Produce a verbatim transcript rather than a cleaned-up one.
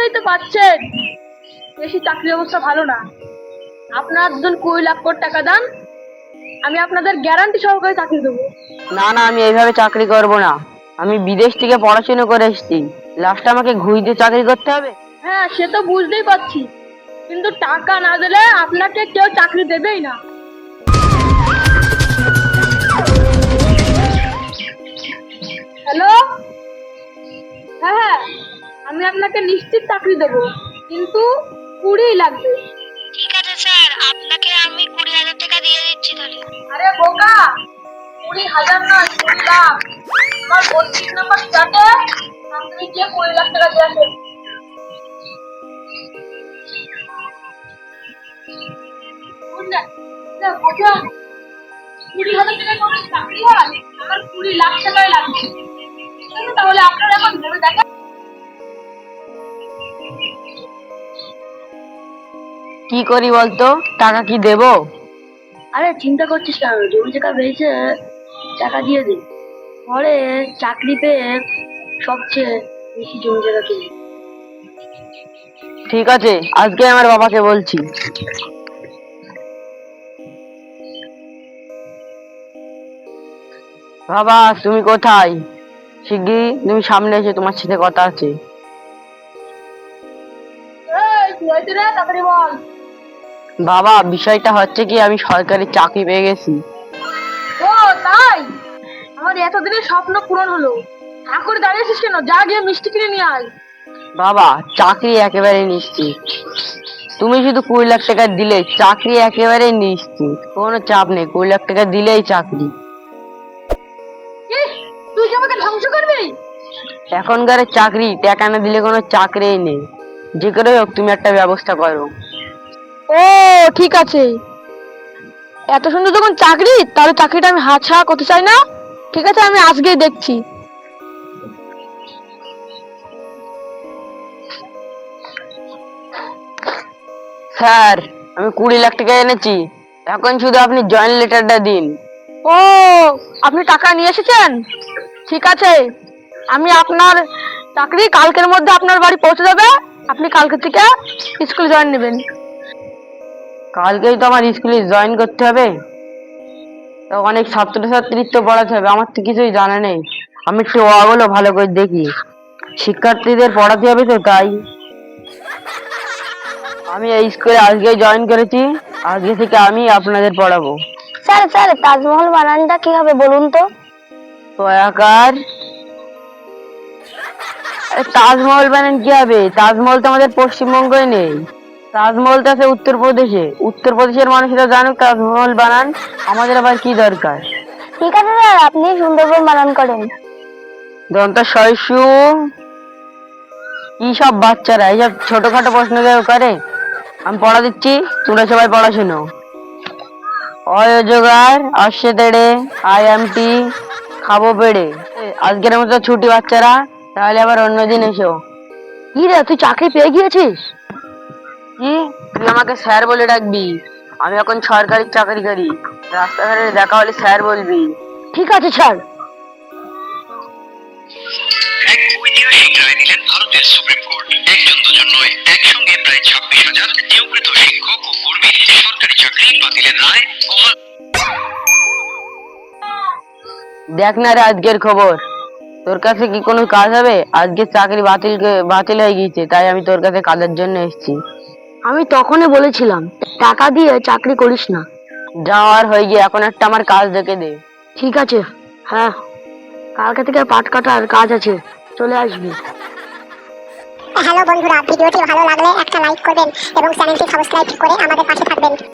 বুঝতেই তো পারছেন দেশি চাকরির অবস্থা ভালো না। আপনারা দুজন কুড়ি লাখ করে টাকা দেন, আমি আপনাদের গ্যারান্টি সহকারে চাকরি দেবো। না না, আমি এইভাবে চাকরি করব না। আমি বিদেশ থেকে পড়াশোনা করে এসেছি, লাস্টে আমাকে ঘুষ দিয়ে চাকরি করতে হবে? হ্যাঁ, সে তো বুঝতেই পারছি, কিন্তু টাকা না দিলে আপনাকে কেউ চাকরি দেবেই না। হ্যালো, হ্যাঁ হ্যাঁ, আমি আপনাকে নিশ্চিত চাকরি দেবো, কিন্তু কুড়ি লাগবে। ঠিক আছে স্যার, আপনাকে আমি কুড়ি হাজার টাকা দিয়ে দিচ্ছি তাহলে। আরে বোকা, কুড়ি হাজার নয়, কুড়ি লাখ। আমার বত্রিশ নম্বর ফ্ল্যাটে আপনি গিয়ে কুড়ি লাখ টাকা দিয়ে আসেন। বুঝলেন? না, বোঝেন? কুড়ি হাজার টাকা কোনো চাকরি হয়? আমার কুড়ি লাখ টাকাই লাগবে। ঠিক আছে, তাহলে আপনারা এখন ভেবে দেখেন। কি করি বলতো? টাকা কি দেবো? আরে চিন্তা করছিস কেন, জমি জায়গা বেড়েছে, টাকা দিয়ে দে। পরে চাকরি পেয়ে সবচেয়ে বেশি জমি জায়গা কিনে। ঠিক আছে, আজকে আমার বাবাকে বলছি। বাবা, তুমি কোথায়? শিগগিরই তুমি সামনে এসে তোমার সাথে কথা আছে। এই, কি হয়েছে রে? তাড়াতাড়ি বল। বাবা, বিষয়টা হচ্ছে কি, আমি সরকারি চাকরি পেয়ে গেছি। ও তাই? আমার এতদিনের স্বপ্ন পূরণ হলো। হা করে দাঁড়িয়েছিস কেন? যা গিয়ে মিষ্টি কিনে নিয়ে আয়। বাবা, চাকরি একেবারে নিশ্চিত। তুমি শুধু কুড়ি লাখ টাকা দিলে চাকরি একেবারে নিশ্চিত, কোনো চাপ নেই। কুড়ি লাখ টাকা দিলেই চাকরি। কি? তুই কি আমাকে ধ্বংস করবি? এখনকার চাকরি টাকা না দিলে কোনো চাকরিই নেই। যে করে হোক তুমি একটা ব্যবস্থা করো। ও ঠিক আছে, এত সুন্দর যখন চাকরি, তাহলে চাকরিটা আমি হাতছাড়া করতে চাই না। ঠিক আছে, আমি আজকেই দেখছি। স্যার, আমি কুড়ি লাখ টাকা এনেছি, এখন শুধু আপনি জয়েন লেটারটা দিন। ও, আপনি টাকা নিয়ে এসেছেন? ঠিক আছে, আমি আপনার চাকরি কালকের মধ্যে আপনার বাড়ি পৌঁছে যাবে। আপনি কালকে থেকে স্কুল জয়েন নেবেন। কালকেই তো আমার স্কুলে জয়েন করতে হবে, তো অনেক ছাত্রছাত্রীর তো পড়াতে হবে, আমার তো কিছুই জানা নেই। আমি একটু ওগুলো ভালো করে দেখি, শিক্ষার্থীদের পড়াতে হবে তো, তাই আমি এই স্কুলে আজকে জয়েন করেছি। আজকে থেকে আমি আপনাদের পড়াবো। স্যার স্যার, তাজমহল বানানটা কি হবে বলুন তো? তো আকার তাজমহল বানান কি হবে? তাজমহল তো আমাদের পশ্চিমবঙ্গে নেই, তাজমহল তো আছে উত্তরপ্রদেশে। উত্তরপ্রদেশের মানুষরা জানুক তাজমহল বানান, আমাদের আবার কি দরকার? ঠিক আছে স্যার, আপনি সুন্দরবন বানান করেন। দন্ত শস্যু। কি সব বাচ্চারা এইসব ছোটখাটো প্রশ্ন করে? আমি পড়া দিচ্ছি, তোমরা সবাই পড়াশোনো। অযোগার আসছে তেড়ে, আই এম টি খাবো পেড়ে। আজকের মতো ছুটি বাচ্চারা, তাহলে আবার অন্যদিন এসো। কি রে, তুই চাকরি পেয়ে গিয়েছিস? কি? তুই আমাকে স্যার বলে ডাকবি? আমি এখন সরকারি চাকরি করি, রাস্তাঘাটে দেখা হলে স্যার বলবি। ঠিক আছে স্যার। এক ঐতিহাসিক রায় দিলেন ভারতের সুপ্রিম কোর্ট। একজন দুজন নয়, একসঙ্গে প্রায় ছাব্বিশ হাজার নিয়োগকৃত শিক্ষক ও কর্মীর সরকারি চাকরি বাতিলের রায় বহাল। দেখ না রে আজকের খবর, তোর কাছে কি কোনো কাজ হবে? আজকে চাকরি বাতিল বাতিল হয়ে গিয়েছে, তাই আমি তোর কাছে কাজের জন্য এসেছি। আমি তখনই বলেছিলাম টাকা দিয়ে চাকরি করিস না। যাওয়ার হয়ে গিয়ে এখন একটা আমার কাজ দেখে দে। ঠিক আছে, হ্যাঁ, কালকে থেকে পাট কাটার কাজ আছে, চলে আসবি। হ্যালো বন্ধুরা, ভিডিওটি ভালো লাগলে একটা লাইক করবেন এবং চ্যানেলটি সাবস্ক্রাইব করে আমাদের পাশে থাকবেন।